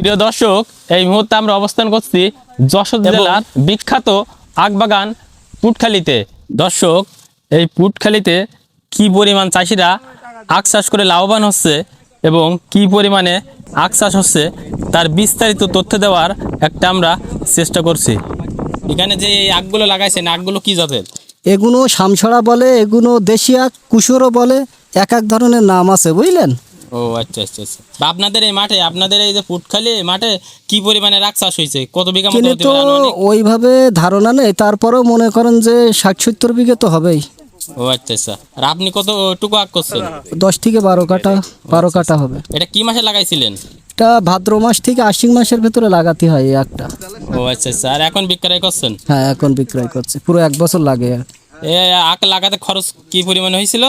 প্রিয় দর্শক, এই মুহূর্তে আমরা অবস্থান করছি যশোর জেলার বিখ্যাত আখবাগান পুটখালীতে। দর্শক, এই পুটখালীতে কি পরিমাণ চাষিরা আখ চাষ করে লাভবান হচ্ছে এবং কি পরিমাণে আখ চাষ হচ্ছে তার বিস্তারিত তথ্য দেওয়ার একটা আমরা চেষ্টা করছি। এখানে যে এই আখগুলো লাগাইছেন, আখগুলো কি জাতের? এগুলো শামছড়া বলে, এগুলো দেশি আখ, কুশোরও বলে, এক এক ধরনের নাম আছে, বুঝলেন? ও আচ্ছা আচ্ছা আচ্ছা। আপনাদের এই মাঠে, আপনাদের এই যে পুটখালী মাঠে কি পরিমাণে আখ চাষ হয়েছে, কত বিঘা মতো হতে তো পারে আনুমানিক? ওইভাবে ধারণা নেই, তারপরেও মনে করেন যে 60-70 বিঘে তো হবেই। ও আচ্ছা আচ্ছা। আর আপনি কতটুকু আখ করছেন? 10 থেকে 12 কাটা হবে। এটা কি মাসে লাগাইছিলেন? এটা ভাদ্র মাস থেকে আশ্বিন মাসের ভেতরে লাগাতে হয় এই একটা। ও আচ্ছা আচ্ছা। আর এখন বিক্রয় করছেন? হ্যাঁ, এখন বিক্রয় করছে, পুরো 1 বছর লাগে। এ আখ লাগাতে খরচ কি পরিমাণে হয়েছিল?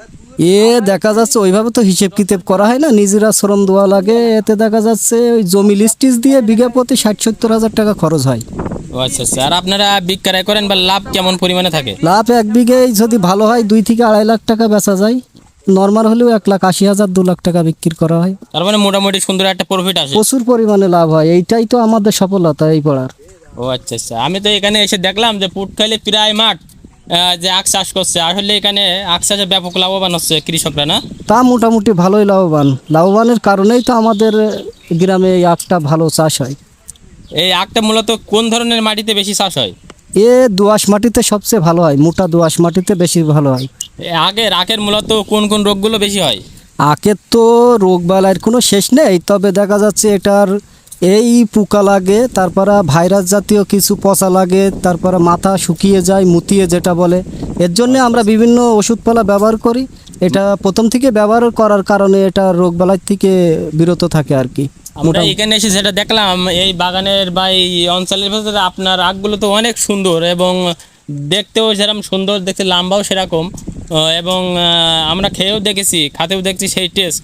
দেখা যাচ্ছে ওইভাবে তো হিসেব কিতাব করা হয় না, নিজেরা শ্রম দেওয়া লাগে। এতে দেখা যাচ্ছে ওই জমি লিস্টিস দিয়ে বিঘা প্রতি 60-70 হাজার টাকা খরচ হয়। ও আচ্ছা আচ্ছা। আর আপনারা বিক্রয় করেন বা লাভ কেমন পরিমাণে থাকে? লাভ 1 বিঘায় যদি ভালো হয় 2 থেকে 2.5 লাখ টাকা বেচা যায়। নর্মাল হলেও 1,80,000 2 লাখ টাকা বিক্রি করা হয়। তার মানে মোটামুটি সুন্দর একটা প্রফিট আসে। প্রচুর পরিমাণে লাভ হয়, এইটাই তো আমাদের সফলতা এই পড়ার। ও আচ্ছা আচ্ছা। আমি তো এখানে এসে দেখলাম যে পুটখালী প্রায় মাঠ যে আখ চাষ করছে। আসলে এখানে আখ চাষে ব্যাপক লাভবান হচ্ছে কৃষকরা, না? তা মোটামুটি ভালোই লাভবানের কারণেই তো আমাদের গ্রামে এই আখটা ভালো চাষ হয়। এই আখটা মূলত কোন ধরনের মাটিতে বেশি চাষ হয়? দোআঁশ মাটিতে সবচেয়ে ভালো হয়, মোটা দোআঁশ মাটিতে বেশি ভালো হয়। আখের মূলত কোন কোন রোগগুলো বেশি হয়? আখের তো রোগ বালাইয়ের কোনো শেষ নেই, তবে দেখা যাচ্ছে এটার এই পোকা লাগে, তারপরে ভাইরাস জাতীয় কিছু পচা লাগে, তারপরে মাথা শুকিয়ে যায়, মুতিয়ে যেটা বলে। এর জন্য আমরা বিভিন্ন ওষুধপালা ব্যবহার করি। এটা প্রথম থেকে ব্যবহার করার কারণে এটা রোগ বালাই থেকে বিরত থাকে আর কি। আমরা এখানে এসে যেটা দেখলাম, এই বাগানের বা এই অঞ্চলের ভেতরে আপনার আখগুলো তো অনেক সুন্দর এবং দেখতেও যেরকম সুন্দর, দেখতে লম্বাও সেরকম, এবং আমরা খেয়েও দেখেছি, খাতেও দেখছি সেই টেস্ট।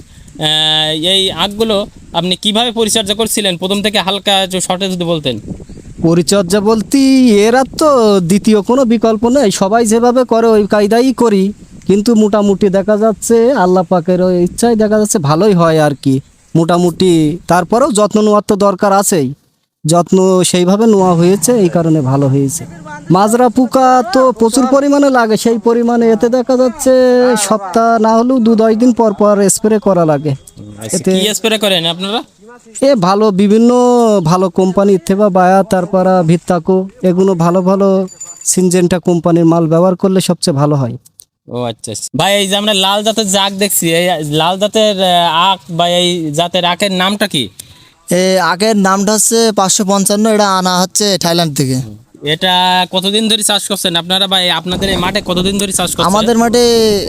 এই আখগুলো আপনি কিভাবে পরিচর্যা করছিলেন প্রথম থেকে, হালকা শর্টে যদি বলতেন? পরিচর্যা বলতে এরা তো দ্বিতীয় কোনো বিকল্প নেই, সবাই যেভাবে করে ওই কায়দাই করি। কিন্তু মোটামুটি দেখা যাচ্ছে আল্লাহ পাকের ওই ইচ্ছায় দেখা যাচ্ছে ভালোই হয় আর কি মোটামুটি। তারপরেও যত্ন নেওয়ার তো দরকার আছেই, যত্ন সেইভাবে নেওয়া হয়েছে, এই কারণে ভালো হয়েছে। মাজরা পোকা তো প্রচুর পরিমাণে লাগে, সেই পরিমাণে এতে দেখা যাচ্ছে সপ্তাহ না হলেও 2-10 দিন পর পর স্প্রে করা লাগে। এতে কি স্প্রে করেন আপনারা? ভালো বিভিন্ন ভালো কোম্পানির থেকে বায়া, তারপর ভিত্তাকো, এগুলো ভালো ভালো সিনজেন্টা কোম্পানির মাল ব্যবহার করলে সবচেয়ে ভালো হয়। ও আচ্ছা আচ্ছা। ভাই, এই যে আমরা লাল জাতের যে আখ দেখছি, এই লাল জাতের আখ বা এই জাতের আখের নামটা কি? আগের নামটা হচ্ছে 555, এটা আনা হচ্ছে থাইল্যান্ড থেকে। এটা কতদিন ধরে চাষ করছেন আপনারা, বা আপনাদের এই মাঠে কতদিন ধরে চাষ করছেন? আমাদের মাঠে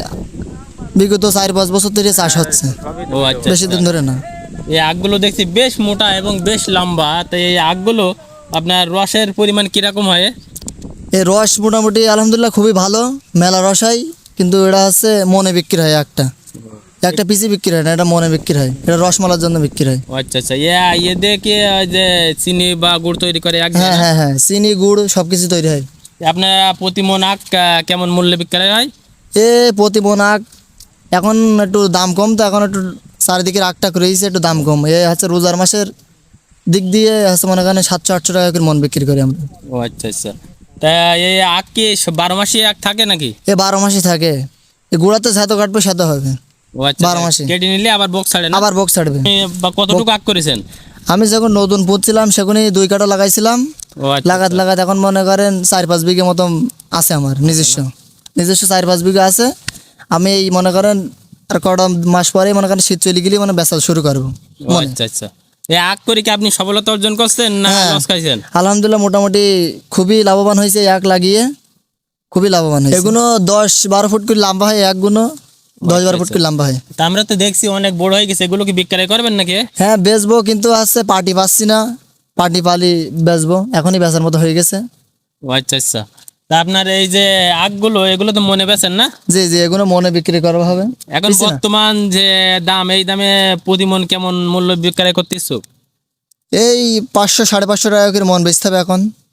বিগত 4-5 বছর ধরে চাষ হচ্ছে, ও আচ্ছা বেশি দিন ধরে না। এই আখগুলো দেখছি বেশ মোটা এবং বেশ লম্বা। তো এই আখগুলো আপনার রসের পরিমাণ কিরকম হয়? এই রস মোটামুটি আলহামদুলিল্লাহ খুবই ভালো, মেলা রস হয়। কিন্তু এটা হচ্ছে মনে বিক্রি হয়, একটা পিসি বিক্রি হয় না, এটা মনে বিক্রি হয়, এটা রসমালার জন্য বিক্রি হয়। ও আচ্ছা আচ্ছা। দিয়ে কি যে চিনি বা গুড় তৈরি করে আখ? হ্যাঁ হ্যাঁ হ্যাঁ, চিনি গুড় সব কিছু তৈরি হয়। আপনারা প্রতি মন আখ কেমন মূল্যে বিক্রয় হয়? প্রতি মন আখ এখন একটু দাম কম, তো এখন একটু চারিদিকের আখটা করেছে একটু দাম কম। হচ্ছে রোজার মাসের দিক দিয়ে হচ্ছে মনে করেন 700-800 টাকা করে মন বিক্রি করি আমরা। ও আচ্ছা আচ্ছা। তা এই আখ কি 12 মাসই আখ থাকে নাকি? 12 মাসই থাকে। গুড়াতে সাথে কাটবে সাথে হবে। ও আচ্ছা। 12 মাসে কেটে নিলে আবার বক্স ছাড়ে না? আবার বক্স ছাড়বে। বা কতটুকু আখ করেছেন? আমি যখন নতুন পুঁতছিলাম সেখানেই 2 কাটা লাগাইছিলাম। ও আচ্ছা। লাগাত এখন মনে করেন 4-5 বিঘা মতন আছে আমার নিজস্ব 4-5 বিঘা আছে। আমি এই মনে করেন আর কটা মাস পরে মনে করেন শীত চলে গেলে মানে বেচা শুরু করবো। ও আচ্ছা আচ্ছা। এই আখ করে কি আপনি সফলতা অর্জন করছেন না লস খাইছেন? আলহামদুলিল্লাহ মোটামুটি খুবই লাভবান হয়েছে, আখ লাগিয়ে খুবই লাভবান হয়েছে। এগুলো 10-12 ফুট করে লম্বা হয়, একগুলো 10-12 ফুট করে লম্বা হয়। তা আমরা তো দেখছি অনেক বড় হয়ে গেছে, এগুলো কি বিক্রয় করবেন নাকি? হ্যাঁ বেচবো, কিন্তু আছে পার্টি পাচ্ছি না, পার্টি পালি বেচবো, এখনই বেচার মতো হয়ে গেছে। ও আচ্ছা আচ্ছা। তা আপনার এই যে আখগুলো, এগুলো তো মনে বেচেন না? জি জি, এগুলো মনে বিক্রি করা হবে। এখন বর্তমান যে দাম, এই দামে প্রতি মন কেমন মূল্য বিক্রয় করতে ইচ্ছুক? এই 500-550 টাকা করে মন বেচতে হবে এখন।